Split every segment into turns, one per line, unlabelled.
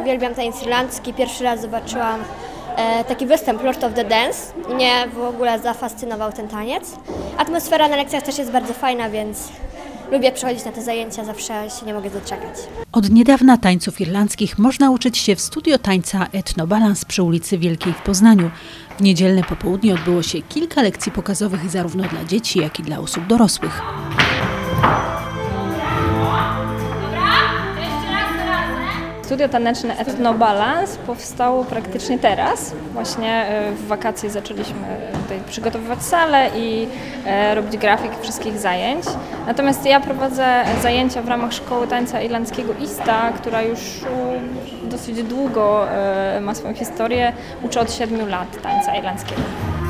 uwielbiam tańc irlandzki. Pierwszy raz zobaczyłam taki występ Lord of the Dance. Mnie w ogóle zafascynował ten taniec. Atmosfera na lekcjach też jest bardzo fajna, więc lubię przychodzić na te zajęcia, zawsze się nie mogę doczekać.
Od niedawna tańców irlandzkich można uczyć się w studio tańca Etnobalans przy ulicy Wielkiej w Poznaniu. W niedzielne popołudnie odbyło się kilka lekcji pokazowych zarówno dla dzieci, jak i dla osób dorosłych.
Studio taneczne Etnobalans powstało praktycznie teraz. Właśnie w wakacje zaczęliśmy tutaj przygotowywać salę i robić grafik wszystkich zajęć. Natomiast ja prowadzę zajęcia w ramach Szkoły Tańca Irlandzkiego ISTA, która już dosyć długo ma swoją historię. Uczę od 7 lat tańca irlandzkiego.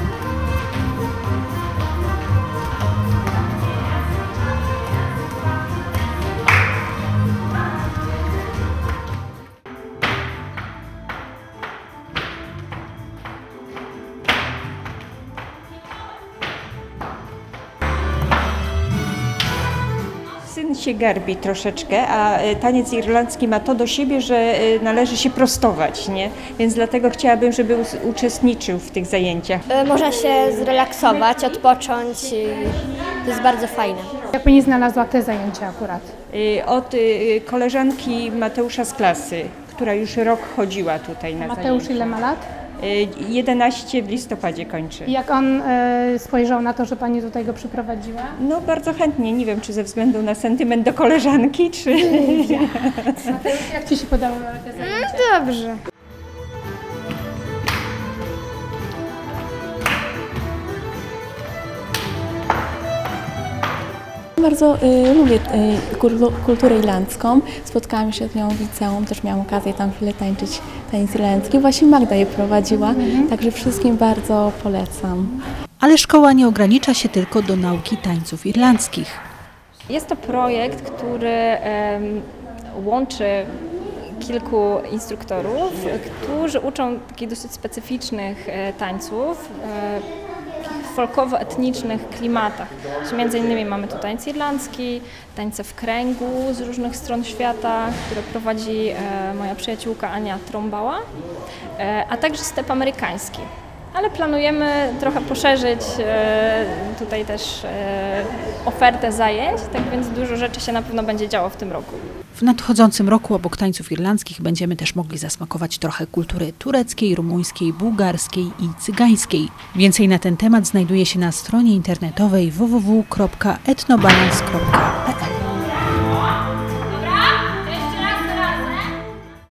Syn się garbi troszeczkę, a taniec irlandzki ma to do siebie, że należy się prostować, nie? Więc dlatego chciałabym, żeby uczestniczył w tych zajęciach.
Można się zrelaksować, odpocząć i to jest bardzo fajne.
Jak Pani znalazła te zajęcia akurat?
Od koleżanki Mateusza z klasy, która już rok chodziła tutaj na
Mateusz
zajęcia.
ile ma lat?
11 w listopadzie kończy.
I jak on spojrzał na to, że Pani tutaj go przyprowadziła?
No bardzo chętnie, nie wiem czy ze względu na sentyment do koleżanki, czy...
Mateusz, jak Ci się podobały te zajęcia?
Dobrze.
Bardzo lubię kulturę irlandzką. Spotkałam się z nią w liceum, też miałam okazję tam chwilę tańczyć taniec irlandzki. Właśnie Magda je prowadziła, także wszystkim bardzo polecam.
Ale szkoła nie ogranicza się tylko do nauki tańców irlandzkich.
Jest to projekt, który łączy kilku instruktorów, którzy uczą takich dosyć specyficznych tańców, folkowo-etnicznych klimatach. Między innymi mamy tu tańc irlandzki, tańce w kręgu z różnych stron świata, które prowadzi moja przyjaciółka Ania Trąbała, a także step amerykański. Ale planujemy trochę poszerzyć tutaj też ofertę zajęć, tak więc dużo rzeczy się na pewno będzie działo w tym roku.
W nadchodzącym roku obok tańców irlandzkich będziemy też mogli zasmakować trochę kultury tureckiej, rumuńskiej, bułgarskiej i cygańskiej. Więcej na ten temat znajduje się na stronie internetowej www.etnobalans.pl.